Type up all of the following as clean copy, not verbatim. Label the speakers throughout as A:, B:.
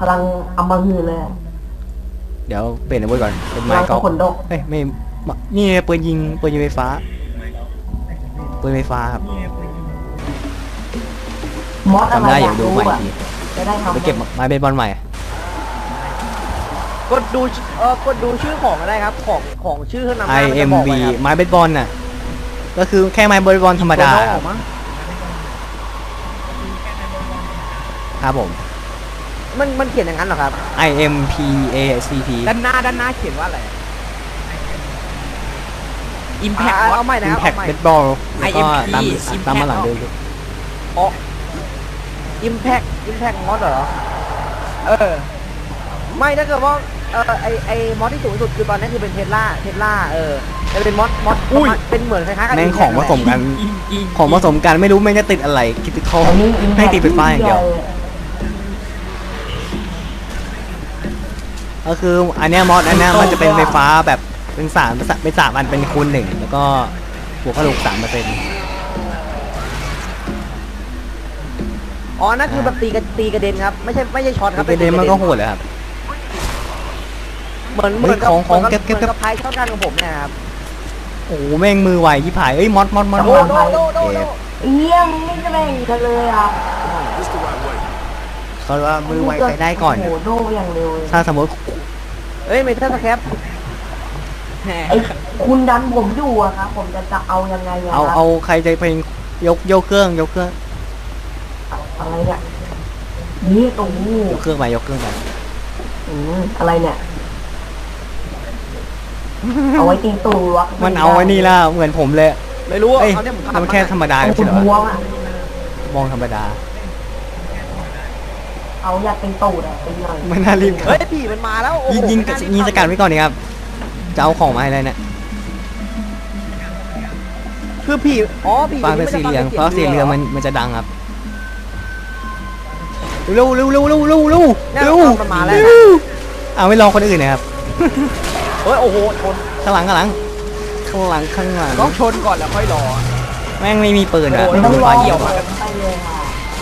A: ลังอำมหิตเลย
B: เดี๋ยวเปลี่ยนอาวุธก่อนเป็นไม้
A: พลัง
B: กอล์ฟ
A: ขนดก
B: เฮ้ยไม่นี่ปืนยิงไฟฟ้าปืนไฟฟ้าครับ
A: มอสอะไร
B: จำได้อ
A: อยาก
B: ดู
A: รู้
B: ใหม่
A: อ่ะ
B: ที
A: จะได้ทำ
B: ไปเก็บไม้เบสบอลใหม่
C: กดดูชื่อของก็ได้ครับของชื่อเครื่องนำหน้า
B: IMB ไม้เบสบอลน่ะก็คือแค่ไม้เบสบอลธรรมดาครับผม
C: มันเขียนอย่างนั้นเหรอครับ
B: IMPACT
D: ด้านหน้าเขียนว่าอะไร Impact
C: เอาใหม่นะครับ
B: Impact
C: เอาใหม่
B: Baseball แล้วก็
D: IMP
B: ตามมาหลังเดิม
C: อ๋อ Impact mod เหรอไม่ถ้าเกิดว่าไอมอสที่สูงสุดคือตอนนี้คือเป็นเทสลาจะเป็นมอสเป็นเหมือนคล้ายๆกับ
B: แม่งของผสมกันของผสมกันไม่รู้แม่งจะติดอะไรคิดติดคอ
A: อันนี้
B: ให้ติดไฟฟ้าอย่างเดียวก็คืออันเนี้ยมอสอันเนี้ยมันจะเป็นไฟฟ้าแบบเป็น3อันเป็นคูณ1แล้วก็บวกกระดูก3%
C: อ๋อนั่นคือแบบตีกระเด็นครับไม่ใช่ช็อตครับ
B: เป็นเดมมันก็โหดเลยครับ
C: เหมือนกับ
B: ของเก็บ
C: เหมือนกับพายช็อตกันของผมเนี่ยครับ
B: โอ้โหแม่งมือไวที่ผายเอ้ยมอส
C: โด
A: เยี่ยมไม่จะแบ่งกันเลยอ่ะ
B: เขาว่ามือไวไปได้ก่อน
A: โอ้โหโดอย่างเร็วเลย
B: ถ้าสมมติ
C: เอ้ยเมทัลสแคป
A: ไอ้คุณดันผมอยู่อะครับผมจะเอายังไงอะ
B: เอาใครจะเพลงยกเครื่อง
A: อะไรเนี่ยนี่ตรงนี้
B: ยกเครื่องไป
A: อะไรเนี่ยเอาไว้ตีตูวะ
B: มันเอาไว้นี่แล้วเหมือนผมเลย
C: ไม่รู้
B: เอ้ย
C: เอาเนี่ยผมทำ
B: มันแค่ธรรมดา
A: เอา
B: ใช่เหรอ
A: หัวอะ
B: มองธรรมดา
A: เอาอยากเป็นตูดอะเป็นหน่อย
B: ไม่น่ารีบ
C: เฮ้ยผีมันมาแล้วโอ้โห
B: ยิงสกัดไว้ก่อนนี่ครับจะเอาของมาให้เลยเนี่ย
C: คือผีผี
B: ฟังเป็นสีเหลืองเพราะสีเหลืองมันจะดังครับเร็วเอาไม่ลองคนอื่นนะครับ
C: เฮ้ยโอ้โหชน
B: ข้างหลัง
D: ต้องชนก่อนแล้วค่อยรอ
B: แม่งไม่มีปืนอ่ะ
A: ไม่ต้องรอ
D: เกี่ยวมา
A: ไปเลยค่ะ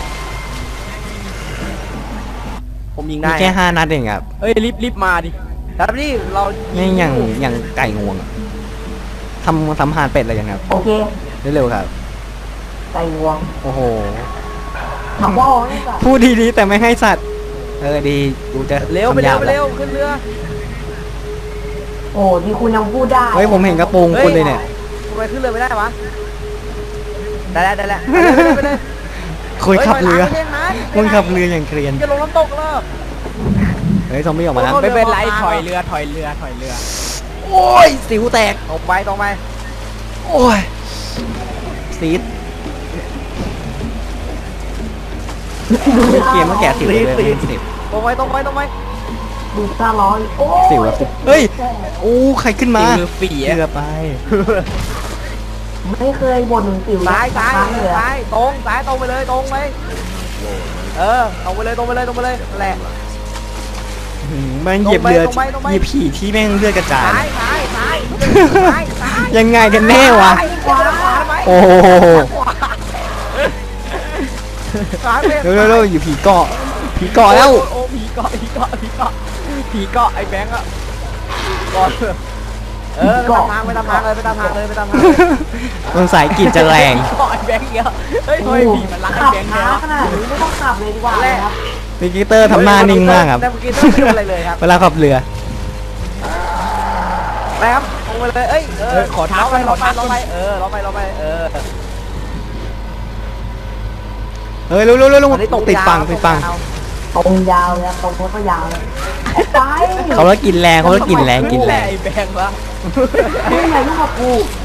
C: ผมยิง
B: มี
C: ได้
B: แค่5 นัดเองครับ
D: เฮ้ยรีบมาดิ
C: ครับนี่เรา
B: นี่อย่างไก่งวงอะทำหานเป็ดอะไรอย่างเงี้ยครับ
A: โอเค
B: เร็วๆครับ
A: ไก่งวง
B: โอ้โห
A: ถามว่านี่ก่อน
B: พูดดีๆแต่ไม่ให้สัตว์ดีกูจะ
C: เร็วไป
B: ทำ
C: เร็
B: ยาว
C: ไปเร็วขึ้นเรือ
A: โอ้ที่คุณยังพูดได้
B: เฮ้ยผมเห็นกระโปรงคุณเลยเนี่ย
C: ทำไมขึ้นเรือไม่ได้วะได้แล้วไปเลย
B: คุยขับเรือ
C: ฮ้ยถยหลังไม่ใช่
B: มึงขับเรืออย่างเกรียน
C: จะลงน้ำตกแล้ว
B: เฮ้ยซอมบี้ออกมาแล้ว
D: ไม่เป็นไรถอยเรือ
B: โอ้ยสิวแตก
C: ตรงไป
B: โอ้ยซีดเกมมันแก่สิวเลยสิบ
C: ตรงไป
A: ดูตาร้อยโอ้
B: สิวอะเฮ้ยโอ้ใครขึ้นมา
D: คือฝี
B: เรือไป
A: ไม่เคยบ่นถึงสิว
C: ซ้าย
A: ครั้งเลยอะ
C: ตรงไปเลยตรงไปตรงไปเลยนั่นแหละ
B: แม่งเหยียบเรือ
C: ตรงไป
B: เหยียบผีที่แม่งเลือดกระจาย
C: ซ้าย
B: ยังไงกันแน่วะ
C: ขวาทำไม
B: โอ้โห
C: ซ้าย
B: เร็วอยู่ผีเกาะแล้ว
D: โอ้ผีเกาะไอ้แบงค์อะ
C: ก่อนไปตามทางเลย
B: มันสายกรีดจะแรง
D: ผีเกาะไอ้แบงค์เยอะเฮ้ยผีมันรักไอ้
A: ขับ
D: แบงค์
A: ช้า
D: เยอะ
A: ขนาดนี้ไม่ต้องขับเลยดีกว่าครับ
B: มิกิเตอร์ทำหน้านิ่งมากครับ
C: แต่เมื่อกี้ต้องไม่ดูอะไรเลยครับ
B: เวลาขับเรือ
C: ไปครับลงไปเลยขอเท้าไปเราไป
B: เฮ้ยเร็วติดฟัง
A: ตรงยาวเลยตรงโคตรยาวเลยไป
B: เขาแล้วกินแรง
D: ไอ้แบงค์ละ
A: ไม่ไหนลูกกับกู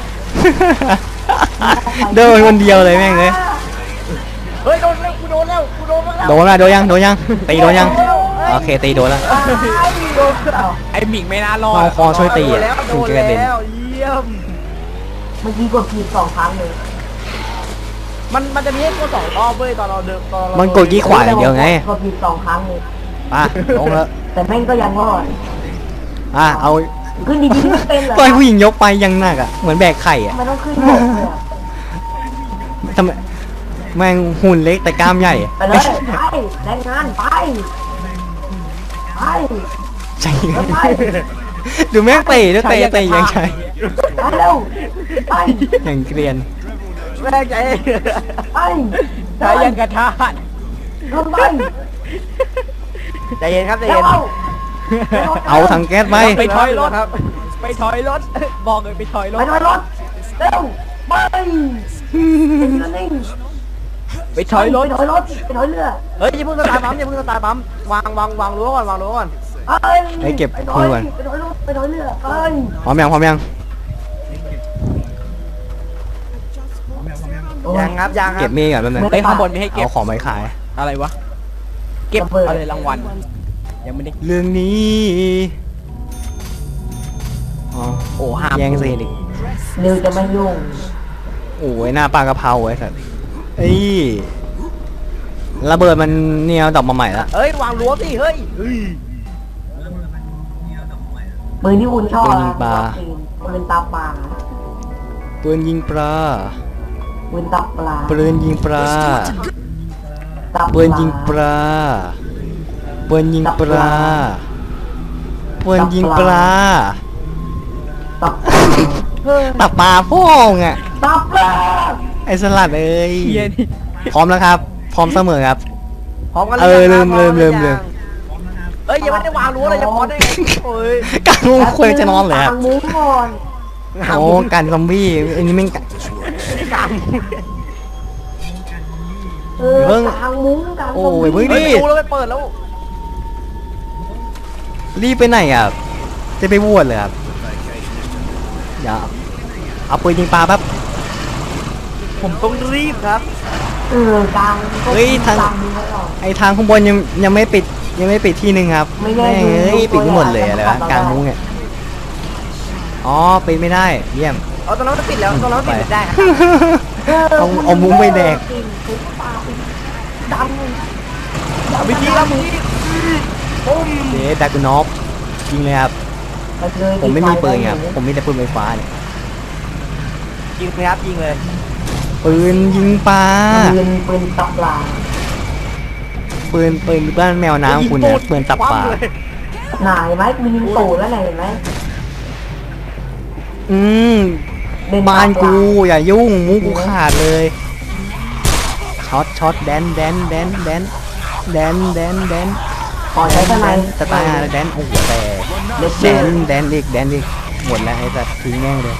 B: เดินคนเดียวเลยแม่งเลย
C: เฮ้ยโดนแล้วกูโดนแล้ว
B: โดนยังตีโดนยังโอเคตีโดนแล้ว
D: ไอ้หมิงไม่น่ารอด
B: เอาคอช่วยตี
C: แล้ว
B: ถึงจะกระเด็น
C: เยี่ยม
A: เมื่อกี้กดผิด2 ครั้งเลย
C: มันจะมีให้กด2 รอบเว้ยตอนเราเดิน
B: มันกดยี่ขวาอย่างเดียวไง
A: กดผิด2 ครั้งเลย
B: ป่ะลงแล้ว
A: แต่แม่งก็ยังรอด
B: เอา
A: ขึ้นดีๆไม่เป็นเหรอ
B: ปล่อยผู้หญิงยกไปยังหนักอ่ะเหมือนแบกไข่อ่ะ
A: มันต้องขึ้นบกเลยอะ
B: ทำไมแม่งหุ่นเล็กแต่กล้ามใหญ่
A: ไปเลยไปแรงงานไปไอ้
B: ใช่
A: ไอ้
B: ดูแม่งเตะด้วยเตะเตะยังใช่
A: ไอ้เร็วไอ้
B: อย่างเกรียน
C: แม่งใจ
A: ไอ้
D: ใช้ยังกระทาด
A: ทำไม
C: ใจเย็นครับใจ
A: เร็
C: เย็
A: วน
B: เอาถังแก๊สไป
D: ไปถอยรถ
C: ครับ
D: ไปถอยรถ บอกเลยไปถอยร
A: ไป
D: ถ
A: ถอยรถเร็วไปนิ่ง
D: ไปถอยรถ
A: ไปถอยรถไปถอยเรือ
C: เฮ้ยอย่าเพิ่งสตาร์ทปั๊มอย่าเพิ่งสตาร์ทปั๊มวางรั้วก่อนวางรั้วก่อน
B: ไอ้เก็บ
A: ไปถ
B: คื
A: อย
B: นก่อน
A: ไปถอยรถไปถอยเรือไป
B: พร้อมยังพร้อมยัง
C: ยังครับยังค
B: เก็
C: รั
B: บบ มีดก่อนแป๊บนึง
D: ไปข้างบนไม่ให้เก็บ
B: เอาของไปขาย
D: อะไรวะ เก็บอะไรรางวัล ยังไม่ได้
B: เรื่องนี้อ๋อ
D: โอ้ห้าม
B: แย่งซีนอีก
A: เรือจะไม่ยุ่ง
B: โอ้ยหน้าปลากระเพราไอ้สัสเอ้ยระเบิดมันเนี่ยดอกมาใหม่ละ
C: เอ้ยวางรั้วสิเฮ้ย
A: ปืนที่คุณชอบ
B: ปืนยิงปลา
A: ปืนตาปลา
B: ปืนยิงปลา
A: ปืนตาปลา
B: ปืนยิงปลา
A: ตา
B: ปืนยิงปลาปืนยิงปลาปืนยิงปลา
A: ตาปลา
B: ตับปลาพ่องอ่ะ
A: ตาปลา
B: ไอ้สลัดเอ้ย
D: เฮียนี่
B: พร้อมแล้วครับ พร้อมเสมอครับ
C: พร้อมกัน
B: เออ
C: ยังครับ
B: ลืม
C: พร้อ
B: ลืม
C: กัน
B: ลืม
C: ยังเอ้ยยังไม่ได้วางรั้วเลยจะพอได้ไงโอ้ย
B: กางมุ้งควรจะนอนเลยครับ
A: ทางมุ้งก่อน
B: โอ้การซอมบี้อันนี้แม่งกะ
C: กลาง
A: เออ
B: เพิ่ง
A: ทางมุ้งกลาง
B: โอ้ยเพิ่ง
C: เฮ้ยไม่รู้แล้วไม่เปิดแล้ว
B: รีบไปไหนอ่ะจะไปบวชเลยครับอย่าเอาปืนยิงปลาแป๊บ
C: ผมต้องรีบครับ
A: เออกลาง
B: เฮ้ยทาง
A: กลมุ้งไว้ก่อน
B: ไอทางข้างบนยังไม่ปิดที่หนึ่งครับ
A: ไม่ได้
B: แม่ง
A: ดู
B: เอ้ย
A: ดู
B: ปิดไม่หมดเลย
A: ตัว
B: อะไร
A: อย่าง
B: วะกลางมุ้งเนี่ยอ๋อปิดไม่ได้เยี่ยม
C: เอาตอนนั้นมันปิดแล้วตอนนั้นมันปิดได้ครับ
B: เอามุ้งไปแดก
A: ปืนปลาปืนดัง
C: วิธีครับมึง
B: เดดักนอฟยิงเลยครับ
A: ปเลย
B: ผมไม่มีปืนครับผมมีแต่ปืนไฟฟ้าเนี่ย
C: ยิงเลยครับยิงเลย
B: ปืนยิงปลา
A: ปืนตาปลา
B: ปืนบ้านแมวน้ำคุณเนี่ยปืนตับปลา
A: หน่ายไหมมียิงตูดแล้วไหนเห็นไหม
B: อืม
A: เดิน
B: บ้าน
A: ตาม
B: กูอย่ายุ่งมุ้งกูขาดเลยช็อตแดน
A: ขอใช้ทนาย
B: สไตล์แดนโอ้โหแต่
A: เล็ก
B: แดนอีกหมดแล้วไอ้สัตว์ทิ้งแม่งเลย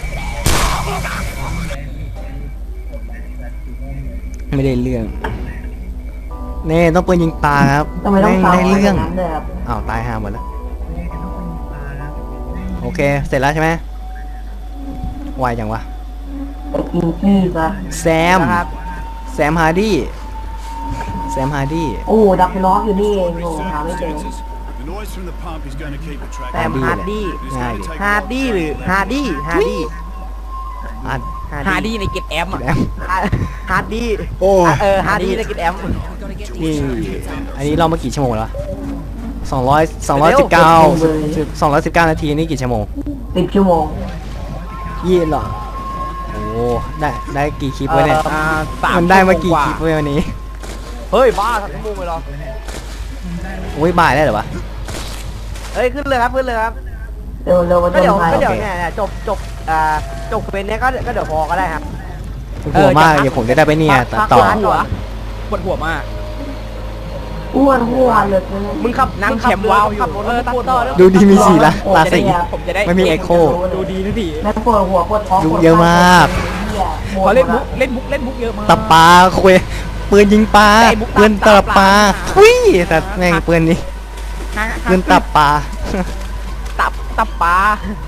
B: ไม่ได้เรื่องเน่ต้องปืนยิงปลาครับ
A: ทำไมต้อง
B: แม่ง
A: ซ้ำ
B: ได้เรื่อง
A: นั้นเลยครับ
B: อ้าวตายห่าหมดแล้วโอเคเสร็จแล้วใช่ไหมไวจังวะ
A: ไปกินขี้ซะ
B: แซม
C: นะครับ
B: แซมฮาร์ดี้แซมฮาร์ดี้
A: โอ้ดับล้ออยู่นี่เองโง่หาไม่เจอ
E: The noise from the pump is going to keep the track
C: แซมฮาร์ดี้
B: ง่ายดิ
C: ฮาร์ดี้หรือฮาร์ดี้ฮาร์ดี้
B: อัด
D: ฮาร์ดี้ในเก็ตแอมอ่ะ
B: แอม
C: ฮาร์ดี้
B: โอ้
C: เออฮาร์ดี้ในกิจแอม
B: นี่อันนี้เรามากี่ชั่วโมงแล้ว219นาทีนี่กี่ชั่วโมง
A: 10 ชั่วโมง
B: 20เหรอโอ้ได้กี่คลิปวะเนี่ย
D: สาม
B: มันได้มากี่
D: ชั่วโง
B: คลิปวะวันนี้
C: เฮ้ยบ้าทำชั่วโมงเลยเหรอ
B: โอ้ยบ่ายได้เหรอวะ
C: เฮ้ยขึ้นเลยครับขึ้นเลยครับ
A: เร็วๆมา
C: ก็
A: จน
C: เดี๋ยว
A: ไทย
C: ก็เดี๋ยว
B: โอเค
C: เนี่ยจบเป็นเนี้ยก็เดี๋ยวพอก็ได้ครับ
B: ปวดหัวมากเดี๋ยวผมจะได้ไปเนี่ยตัดต่อ
C: พัก
D: หัวปวดหัวมาก
A: อ้วนหัวเลย
C: มึงขับ
D: นั่ง
C: ขั
D: แคมป์ว้าวอยู่
C: ขับรถ
D: เออ
C: ตัด
D: ปวด
C: ต่
D: หั
C: อ
D: ว
C: แล้ว
B: ดูดีมีสีละตาสี
D: ผมจะได้
B: ไม่มี echo
D: ดูดีนะพี่
A: แล้วปวดหัวปวดท้อง
B: ดูเยอะมาก
D: เขาเล่นมุกเยอะมาก
B: ตับปลาคุยปืนยิงปลา
D: ไอ้มุกตับ
B: ปืนตับปลา
D: ตับปลา
B: ทุยแต่แม่งปืนนี้ปืนตับปลา
D: ตับปลา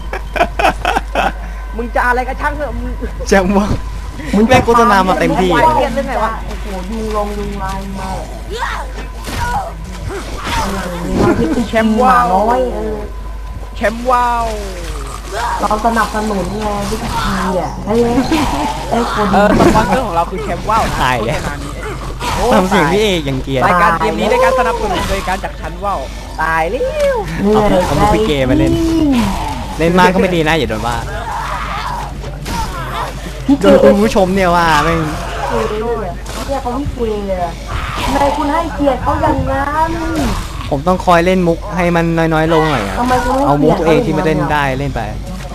C: มึงจะอะไรก็ช่างเถอะมึง
B: จังวะแม่งโฆษณามาเต็มที่
C: ไว้
B: อะ
C: เรียนเรื่องไงวะ
A: โอ้โหยุงลงยุงลายมาแชมป์ว่าน้อย
D: แชมป์ว้าว
A: เราสนับสนุนไงวิธีอ่ะให้คน
D: สปอนเซอร์ของเราคือแชมป์ว้าวนะ
B: ตายแล้ว
D: โฆษณานี้
B: ทำเสียงพี่เอกอย่างเกรียร์
D: รายการเกมนี้ได้การสนับสนุนโดยการจากชั้นว้าว
C: ตายเร็ว
B: เอามาคุยเกมมาเล่น เล่นมากก็ไม่ดีนะอย่าโดนว่าโดนคุณผู้ชมเนี่ยว่าแม่ง
A: เนี่ยเขาไม่คุยเลยทำไมคุณให้เกียรติเขาอย่างนั้น
B: ผมต้องคอยเล่นมุกให้มันน้อยๆลงหน่อยอะ
A: ทำไมกูไม่
B: เอามุกตัวเอง
A: ปลี่
B: ที่
A: ย
B: ไม่เล่นได้เล่นไป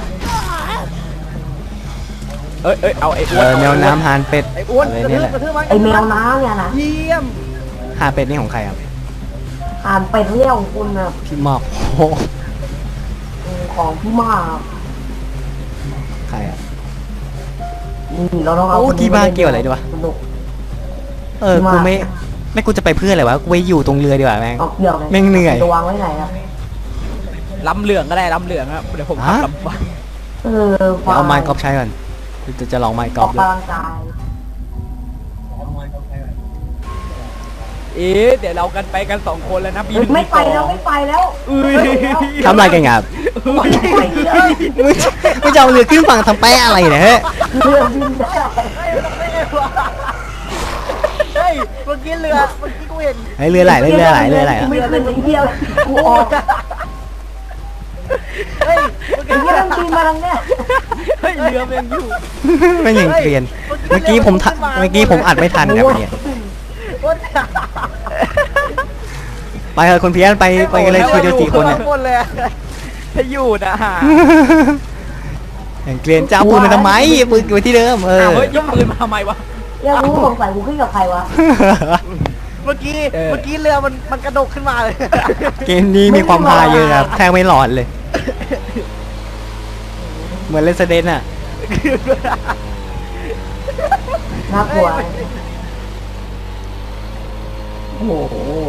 D: เอ้ยเอาไอ้อ้วน
B: แมวน้ำหานเป็ด
C: ไอ้อ้วน
B: อะไร
C: กระ
B: เนี่ย
C: ทื
B: แห
C: บ
B: ละ
C: กระทืบมัน
A: ไอแมวน้ำเนี่ยนะ
C: เยี่ยม
B: หานเป็ดนี่ของใครครับ
A: อ่านเป็ดเรียกของคุณนะ
B: พี่หมอกโอ้
A: ของพี่มาก
B: ใครอ่ะ
A: นี่เราต้องเอา
B: โอ้
A: คนนี้
B: กี่บ้าเกี่ยวอะไรด้วยวะ
A: สนุก
B: กูไม่กูจะไปเพื่ออะไรวะกูไปอยู่ตรงเรือดีกว่าแม่ง
A: เอาเกี่ยวเลย
B: แม่งเหนื่อย
A: จะวางไว้ไหนครับ
D: ลำเหลืองก็ได้ลำเหลืองครับเดี๋ยวผมขับ
B: ฮะ
D: ลำบาก
A: เออ
B: เดี๋ยวเอาไม้กอล์ฟใช้ก่อนจะลองไม้ก
A: อ
B: อ
A: อ
B: ล์
A: ก
B: ฟเลย
A: กำลังกาย
D: เดี๋ยวเรากันไปกัน2 คนแล้วนะ
A: เฮ้ยไม่ไปแล้วไม่ไปแล้ว
D: อุ้ย
B: ทำอะไรกันครับ
A: ไม่ไปเลย
B: มึงจะเอาเรือขึ้นฝั่งทำแปะอะไรเนี่ยเฮ้ย
A: เรือบินได้
C: เฮ้ยเมื่อกี้เรือเมื่อกี้กูเห็น
B: เฮ้ยเรือไหลเรือไหลอะ
A: ไม่ขึ้นไอ้เดียวกูออก
C: เฮ้ย
A: ไอ้เดียวมันบินมาทางเนี้ย
D: เฮ้ยเรือมันยังอยู่
B: ไม่อย่างเกรียนเมื่อกี้ผมอัดไม่ทันครับเนี่ย
C: อ้วน
B: ไปเถอะคนเพี้ยนไปกันเลยคุยเดียว4 คนเนี่ย
C: หมดเลยอะ
D: ถ้าอยู่นะฮะ
B: อย่างเกรียนจะเอาปืนมาทำไมปืนอยู่ที่เดิม
D: อ้า
B: เออ
D: วเฮ้ยยกปืนมาทำไมวะ
A: อยากรู้สงสัยกูขึ้นกับใครวะ
C: เมื่อกี้เรือมันกระดกขึ้นมาเลย
B: เกมนี้มีความฮาเยอะครับแทงไม่หลอนเลย เหมือนเลสเดนอ่ะ
A: น่ากลัวโอ้โห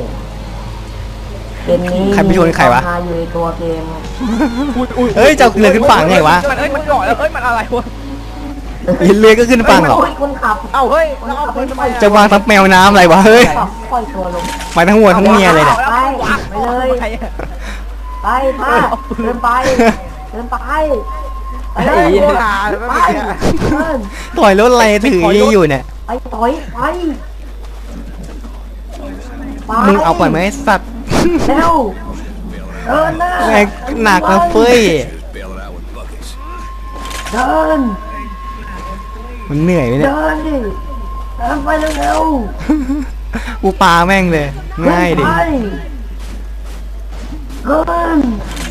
A: เกมนี้
B: ใครไปชวนใครวะ
A: มีามฮาอยู่ในตัวเกม
B: เฮ้ยจะเอาเรือขึ้นฝั่งไงวะ
D: มันเกาะแล้วเฮ้ยมันอะไรวะ
B: เรือก็ขึ้นฝั่งหรอ
A: โยคนขับ
C: เอ้าเฮ้ยแล้วเอาปืนทำไม
B: จะวางทับแมวน้ำอะไรวะเฮ้ย
A: ขับปล่อยตัวลง
B: ไปทั้งวัวทั้งเมียเลยเนี่ย
A: ไปไปเลย
D: ใครอะ
A: ไปป้าเดินไปเดินไปไปเล
C: ไอ้
A: ย
C: เหี้ย
A: ไปเดิน
B: ต่อยรถอะไรถืออยู่เนี่ย
A: ไปต่อยไปไป
B: มึงเอาปล่อยไหมไอ้สัตว์
A: เร็วเดินหน้า
B: แม่งหนักนะเฟ้ย
E: Just bail it out with buckets.
A: เดิน
B: มันเหนื่อยไหมเนี่ย
A: เดินดิเดินไปเร็ว
B: กูปาแม่งเลย
A: ๆ
B: ง่ายดิ
A: ไปเดิน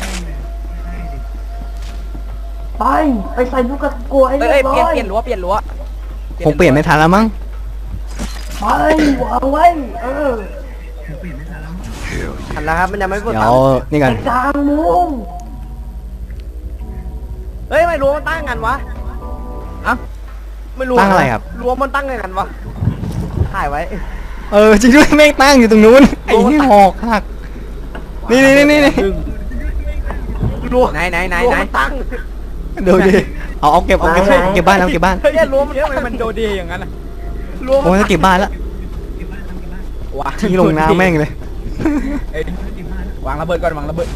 A: ไปใส่ลูกกระกลัวให้
D: เอ้
A: เรี
D: ย
A: ยบร้
D: เปลี่ยน
A: อย
D: เปลี่ยนรั้วเปลี่ยนรั้ว
B: คงเปลี่ยนไม่ทันแล้วมั้ง
A: ไปวางไว้เออ
C: ทันแล้วครับมันยังไม่ปวด
B: เดี๋ย
C: ตาว
B: นี่กัน
A: ไอ้กลางมุ้ง
C: เฮ้ยไม่รู้มันตั้งกันวะ
D: อ่ะ
C: ไม่รู้
B: ตั้งอะไรครับ
C: รั้วมันตั้งไงกันวะถ่ายไว้
B: เออจริงด้วยแม่งตั้งอยู่ตรงนู้นไอ้นี่หอกหักนี่นี่
C: รั้ว
D: ไหน
C: รั้วมันตั้ง
B: ดูดิเอาเก็บบ้านเอาเก็บบ้าน
C: เฮ้ยรั้วมัน
D: เฮ้ย
C: ตั้ง
D: ทำไมมันโดดีอย่างนั้นอะ
C: รั้ว
B: โอ้
C: มัน
B: ยจะเก็บบ้านแล้ว
D: วาง
B: ทิ้งลงน้ำแม่งเลย
D: เอ้ยวางระเบิดก่อนวางระเบิด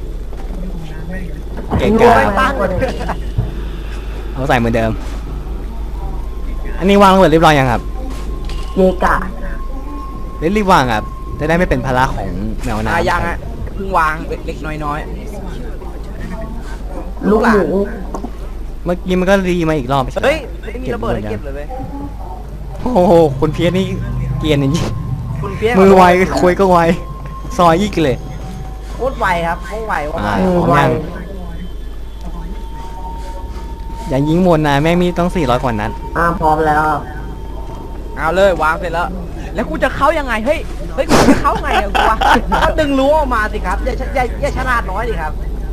B: เก่ง
C: รั้ว
B: กา
C: มันตั้ง
B: เอาใส่เหมือนเดิม อันนี้วางระเบิดเรียบร้อยยังครับ
A: เยกะ
B: รีบวางครับจะได้ไม่เป็นภาระของแมวน้ำ
D: ยังอะเพิ่งวางเล็กๆน้อย
A: ลูกหมู
B: เมื่อกี้มันก็รีมาอีกรอบ
C: เฮ้ยไม่มีระเบิดให้เก็บเลยเว้ย
B: โอ้โหคนเพี้ยนนี่เกรียนอย่างนี้
C: คุณเพี้ยน
B: มือไวคุยก็ไวซอยยี่กเลย
C: โคตรไวครับโคตรไวโคตรไว
B: พร้อมยัง อย่ายิงหมดนะแม่งมีต้อง400 กว่านัด
A: พร้อมแล้ว
D: ๆเอาเลยวางเสร็จแล้ว แล้วกูจะเข้ายังไงเฮ้ยกูจะเข้าไงอะกูวะ
C: ก็ดึงรั้วออกมาสิครับอย่าฉลาดน้อยดิครับ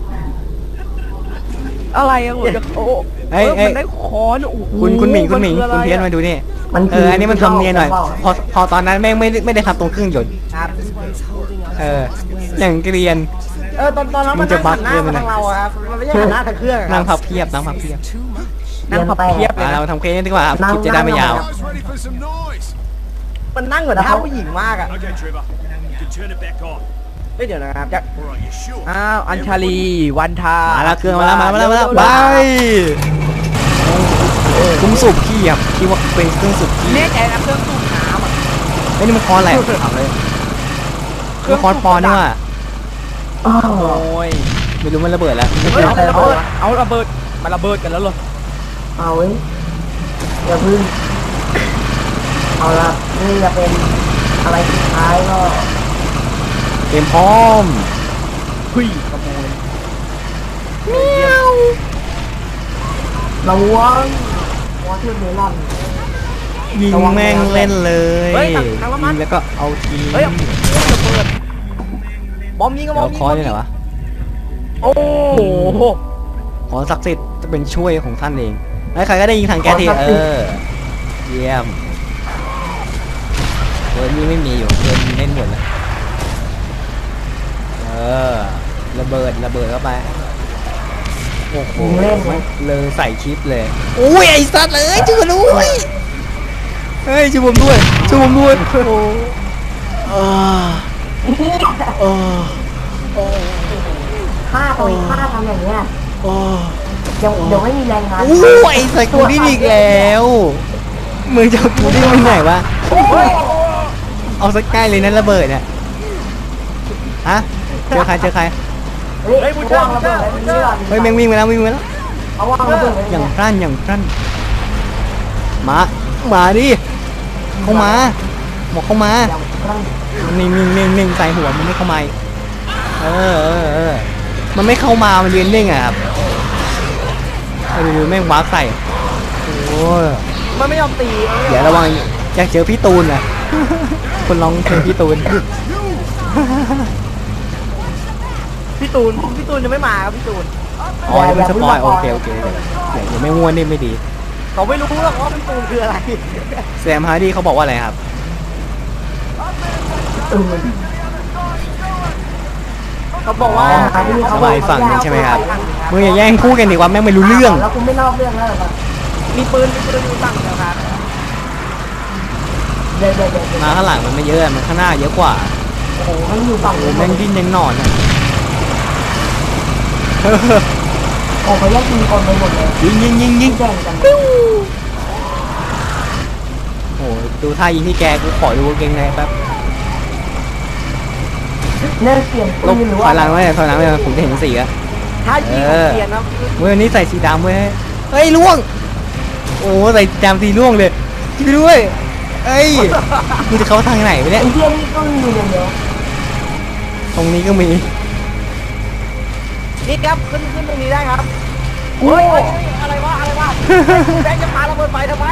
D: อะไรอะกูจะโอ้มันได้คอนโอ้โห
B: คุณหมิงคุณ
D: คืออะไรอะ
B: เพี้ยนมาดูนี่
A: มัน
B: อันนี้มันทำเนียนหน่อยพอตอนนั้นแม่งไม่ได้ทำตรงเครื่องยนต์
C: ครับ
B: อย่างเกรียน
C: ตอนนั้น
B: มั
C: มัน
B: นจะ
C: นั่งหันหน้า
B: บั๊กเรื่อง
C: มา
B: อะไร
C: ทางเราอะครับมันไม่ใช่หันหน้าทางเครื่องอะค
B: นั่
C: รั
B: ง
C: บ
B: พับเพียบนั่งพับเพียบ
D: นั่งพับเพียบเลย
B: เรา
D: นะ
B: ทำเคสดีกว่าครับคลิปจะได้ไม่ยาว
E: Guys, ready for some noise?
C: มันนั่งเหมือนท่าผู้หญิงมากอะ
E: Okay, Trevor. You can turn it back on.
C: เฮ้ยเดี๋ยวนะครับ
E: All right, you sure?
D: อ้าวอัญชาลีวันทา
B: มาแล้วเครื่องมาแล้วไปคุ้มสูบขี้ครับคิดว่าเป็นเครื่องสูบขี้
D: แน่ใจนะเครื่องสูบน้ำอะ
B: ไอ้นี่มันคอนอะไรถามเลยมันคอนปอนนี่ว่ะ
A: อ้าว
D: โอ้ย
B: ไม่รู้มันระเบิดแล้ว
D: เอาระเบิดมาระเบิดกันแล้วเหรอ
A: เอาเว้ยอย่าพึ่งเอาละนี่จะเป็นอะไรสุดท้ายก็
B: เตรียมพร้อม
D: หุยขโมย
A: ระวังวอเทอร์เมลอน
B: ยิงแม่งเล่นเลย
D: เฮ้ยทางละมัน
B: ยิงแล้วก็เอาที
D: เฮ้ยระเบิดบอมยิงก็บอ
B: เดี๋ย
D: ม
B: ว
D: ยิง
B: คอยนี่ไหนวะ
D: โอ้โห
B: ขอศักดิ์สิทธิ์จะเป็นช่วยของท่านเองแล้วใครก็ได้ยิงทางแก๊สทีเยี่ยมเวิร์ดนี่ไม่มีอยู่เวิร์ดมีเล่นหมดแล้วระเบิดเข้าไปโอ้โหเลยใส่คลิปเลยอุ้ยไอ้สัตว์เลยช่วยผมด้วยเฮ้ยช่วยผมด้วยโอ้โอ้
A: ฆ่าตัวเองฆ่าทำอย่างเงี้ย
B: โอ้
A: เดี๋ยวไม่มีแรงงาน
B: โอ้ยใส่กูดิ้นอีกแล้วมึงจะเอากูดิ้นไปไหนวะเอาสักใกล้เลยนะระเบิดเนี่ยฮะเจอใคร
A: เฮ้ยระเบิดเลยนี่ก่อน
B: เฮ้ยแม่งวิ่งไปแล้ว
A: เอาวางระเบิดเลย
B: อย่างพรั่นมาดิเข้ามาบอกเข้ามานิ่งใส่หัวมันไม่เข้ามามันไม่เข้ามามันยืนนิ่งอะครับดูแม่งวาร์ปใส่โอ้ย
D: มันไม่ยอมตี
B: เดี๋ยวระวังอยากเจอพี่ตูนนะคนร้องเพลงพี่ตูน
D: พี่ตูนยังไม่มาครับพี่ตูน
B: อ๋อนี่เป็นสปอยโอเคเดี๋ยวไม่ง่วนนี่ไม่ดี
D: เขาไม่รู้หรอกว่าพี่ตูนคืออะไร
B: แซมฮาร์ดี้เขาบอกว่าอะไรครับ
D: เขาบอกว่า
B: สบายฝั่งนึงใช่ไหมครับมึงอย่าแย่งพูดกันดิว่าแม่งไม่รู้เรื่อง
A: แล้วคุณไม่นอกเรื่องแล้วเหรอ
D: มีปืนอยู่ฝั่งเดียวครับ
A: เดี๋ยว
B: มาข้างหลังมันไม่เยอะมันข้างหน้าเยอะกว่า
A: โอ้โหมันอยู่ฝั่ง
B: โอ้แม่งดิ้นยังหนอนอ่ะ
A: โอ้เขาแยกยิงคนไปหมดเลย
B: ยิง
A: แข่งกัน
B: โอ้ดูท่ายิงที่แกกูขอดูกางเกงในแป๊บ
A: เล่นเปลี่ยน
B: ล
A: ปื
B: บ
A: นหรือ
B: ถ
A: ว่า
B: อยหลังไว้ถอยหลังไว้ผมจะเห็นสีอะ
D: ถ้ายิงเปลี่ยนนะ
B: เว้ยวันนี้ใส่สีดำเว้ยเฮ้ยล่วงโอ้ใส่ดำสีล่วงเลยช่วยด้วยเอ้ยกูจะเข้าทางไหนไปเนี่ย
A: ไอ้เทียนี่ก็มีอย่างเดียว
B: ตรงนี้ก็มี
D: นี่ครับขึ้นตรงนี้ได้ครับ
A: โอ้
D: เฮ้ยอะไรวะแบงค์จะพาระเบิดไฟทำไม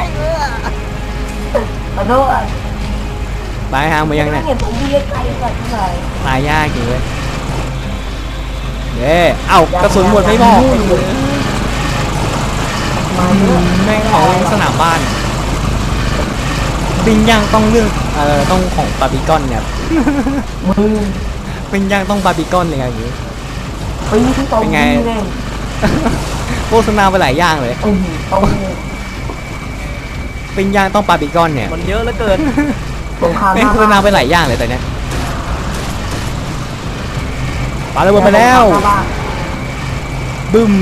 A: ขอโทษ
B: ปลายทางไปยังเนี่ย
A: ไม่เห็นผมพี่ไกลๆก่อนเท่าไหร่
B: ตายยากจริงเลยเย้เอ้ากระสุนหมดไม่บอก
A: มาเยอะ
B: แม่งของสนามบ้านปิ้งย่างต้องเลือกต้องของบาร์บีคอนเนี่ย
A: มือ
B: ปิ้งย่างต้องบาร์บีคอนเลยอย่างนี้
A: ปีที่ตรงนี้เอง
B: โฆษณาไปหลายอย่างเลย
A: ตรง
B: ปิ้งย่างต้องบาร์บีคอนเนี่ย
D: มันเยอะเหลือเกิน
A: ตรงข้าม
B: แม่งโฆษณาไปหลายอย่างเลยแต่เนี้ยปาระเบิดไปแล้วบึ้ม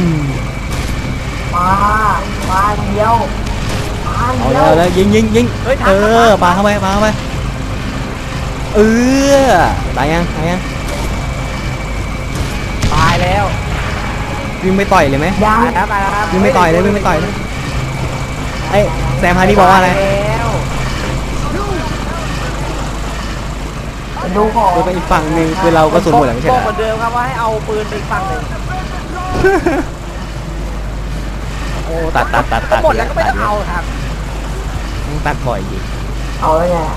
A: มาเดียว
B: เอาแล้วยิงปาเข้าไปตายยัง
D: ตายแล้ว
B: วิ่งไปต่อยเลยไหม
A: ยัง
D: ตายแล้วครับ
B: วิ่งไปต่อยเลยไอ้แซมฮาร์ดี้บอกว่าอะไร
D: แล้ว
A: ดูของ
B: คือไปอีกฝั่งหนึ่งคือเราก็สุนหมดแล้วไม่ใช่
D: บ
B: เห
D: อ
B: ร
D: กเหมื
B: อ
D: อนเดิมครับว่าให้เอาปืนไปอีกฝั่งหนึ่ง
B: โอ้ตัด
D: หมดแล้วก็ไม่ต้องเอาครับ
B: ตัดบ่อยดิ
A: เอาแล้วไง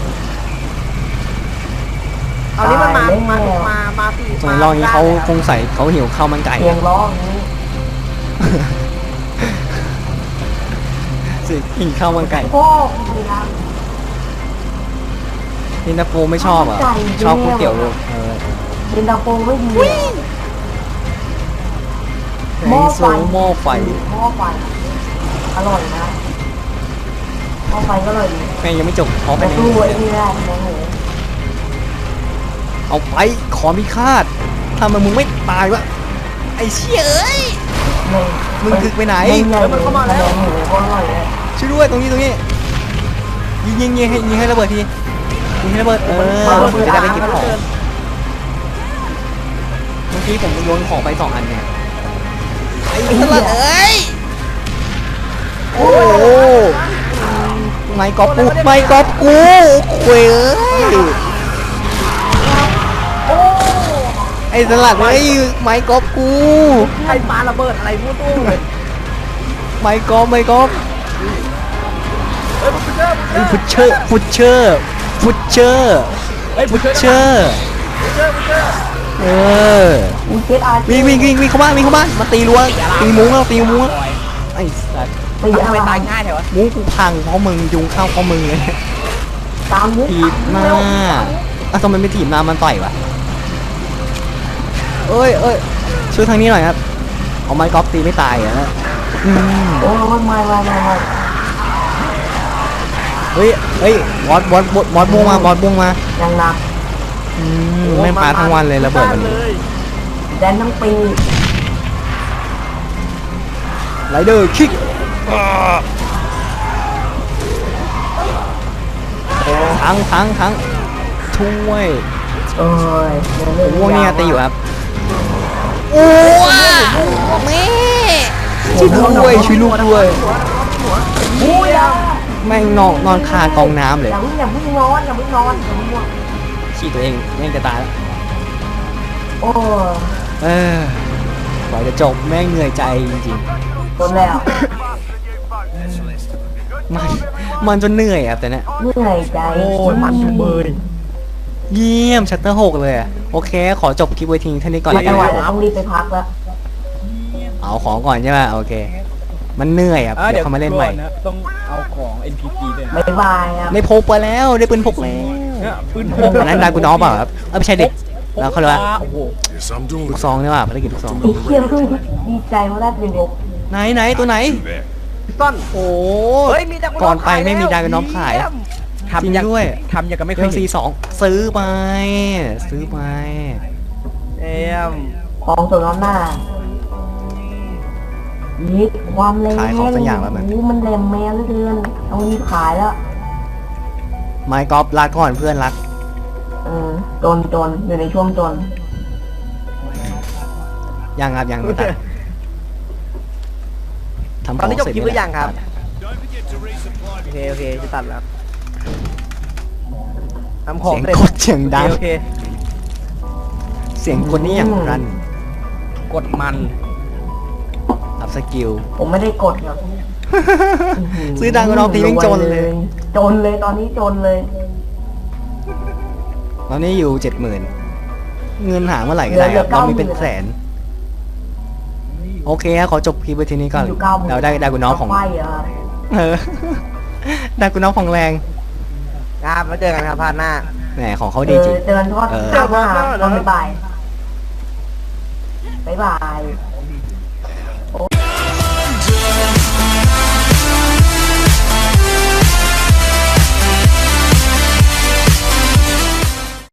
D: เอานี้มันมาสี่
B: ส่วนรองนี้เขาคงใส่เขาหิวข้าวมันไก่
A: เสียงร้องนี้
B: สิหิวข้าวมันไก่
A: พ่อคุณนะ
B: นินตาโฟไม่ชอบอ่ะชอบก๋วยเตี๋ยวลูก
A: เป็นตาโฟไม่ดี
B: หม้อไฟหม้อไฟ
A: หม้อไฟอร่อยนะหม้อไฟก็อร่อยดี
B: แม่งยังไม่จบขอไป
A: แต่
B: ใน
A: ตู้ไอ้นี่แหละโอ้โห
B: เอาไปขอมีคาดทำไมมึงไม่ตายวะไอ้เชี่ยเอ้ยมึงถึกไปไหน
A: มันเข้ามาแล้วโอ้โหอร่อยเลย
B: ช่วยด้วยตรงนี้ยิงให้ระเบิดทียิงให้ระเบิดจะได้ไปเก็บของเมื่อกี้ผมโยนของไป2 อันเนี่ยไอ้ตลาดเอ้ยโอ้โหไม่กอบกูคุยเอ้ย
A: โอ้
B: อ้สลัดเฮ้ยไม้กอล์ฟกู
C: ใครปาระเบิดอะไรพูดตู้เลย
B: ไม้กอล์ฟไม้กอล์ฟ
C: เฮ้ยพุชเชอร์
B: ไอ้พุชเชอร์พุชเชอร์พุชเชอร์
D: เฮ้ย
B: พุชเชอร์เออ
A: มีเซตอาร์
B: วิ่งเข้าบ้านมาตีรั้วตีมุ้งแล้วตีมุ้งแล้วไอ้สัตว์
A: ตี
D: ทำไม
A: อะไร
D: ตายง่ายแถวะ
B: มุ้งกูพังเพราะมึงยุงเข้าเพราะมึงเลย
A: ตามมุก
B: ถีบหน้าอ่ะทำไมไม่ถีบหน้ามันต่อยวะเอ้ยช่วยทางนี้หน่อยครับเอาไม้กอล์ฟตีไม่ตายอ่ะนะอืม
A: โอ้ยไม่
B: เฮ้ยบอสม่วงมา
A: ยังหนัก
B: แม่งปาทั้งวันเลยระเบิดมัน
A: แดนทั้งปี
B: ไรเดอร์คิกทั้งช่วย
A: เอ้ย
B: ม่วงเนี่ยตีอยู่ครับโอ้แม่ช่วยลูกด้วย
A: อุ้ยอย่า
B: แม่งนอนคากองน้ำเลย
A: อย่าเพิ่งนอนอย่าเพิ่งง่วง
B: ขี้ตัวเองแม่งจะตายแล้ว
A: โอ้ย
B: กว่าจะจบแม่งเหนื่อยใจจริง
A: จนแล้ว
B: ๆมันจนเหนื่อยครับแต่เนี่ย
A: เหนื่อยใจ
C: โอ้ยมันจุเบย
B: เยี่ยมชัตเตอร์6เลยอะโอเคขอจบคลิปไว้ทิ้งเท่านี้ก่อน
A: ไม่
B: แล้ว
A: ไหว
B: กัน
A: ต้องรีบไปพักแล้ว
B: เอาของก่อนใช่ไหมโอเค มันเหนื่อยครับเดี๋ยวเขามาเล่นใหม่
D: นะต้องเอาของ NPP ด้วยนะ
A: บ๊ายบายครับ
B: ได้พกไปแล้วได้ปืนพกแล้ว
D: เนี่ยปืนพก
B: อันนั้นดากูน้องเปล่าครับไม่ใช่เด็กแล้วเขาเรียกว่า
D: โอ้โห
E: Yes, I'm doing
B: ลูกซองนี่ว่าภารกิจลูกซอง
A: ไอ้เหี้ยเพิ่งดีใจว่าได้เป็นยก
B: ไหนตัวไหน
E: there.
C: ต้น
B: โอ้
C: เฮ้ยมีดา
B: ก่อนไปไม่มีดากูน้องขาย
D: ทำอย่าง
B: จริงด้วย
D: ทำอย่างกับไม่
B: เค
D: เค
B: รื่
D: ย
B: อง
D: เห็น
B: C2 ซื้อไปซื้อไป
C: เอ็ม
A: ของส่วนน้ำหน้ายิดความแรง
B: ขายของสักอย่างแล้วมัน
A: โอ้มันแรงแมวเหลือเกินต้องรีบขายแล้ว
B: ไมค์กอล์ฟรักก่อนเพื่อนรัก
A: จนอยู่ในช่วงจน
B: ยังครับยังไม่ตัดทำข
C: ตอน
B: อง
C: นี้จบ
B: เสร็จ
C: คลิปหรือยังครับ
E: Don't forget to resupply.
C: โอเคจะตัดแล้วทำของ
B: เสียง
C: เสร็จ
B: กดเสียงดัง
C: โอเค
B: เสียงคนนี้อย่างรัน
D: กดมัน
B: อัพสกิล
A: ผมไม่ได้กดครับ
B: ซื้อดังกว่าน้องตีวิ่งจนเลย
A: จนเลยตอนนี้จนเลย
B: ตอนนี้อยู่ 70,000 เงินหาเมื่อไหร่ก็ได้ครับ
A: เหลือ
B: เรามีเป็น
A: 90,000
B: แสน โอเคครับขอจบคลิปไว้ทีนี้ก่อน
A: อยู่
B: เราได้กุน้องของ
A: ไฟเหรอ
B: เออ ได้กุน้องของแรง
C: ครับแล้วเจอกันครับพาร์ทหน้า
B: แหมของเขาดีจริง
A: เจอกันทอด
B: เออ
A: ข้าวมาตอนบ่ายบ๊ายบาย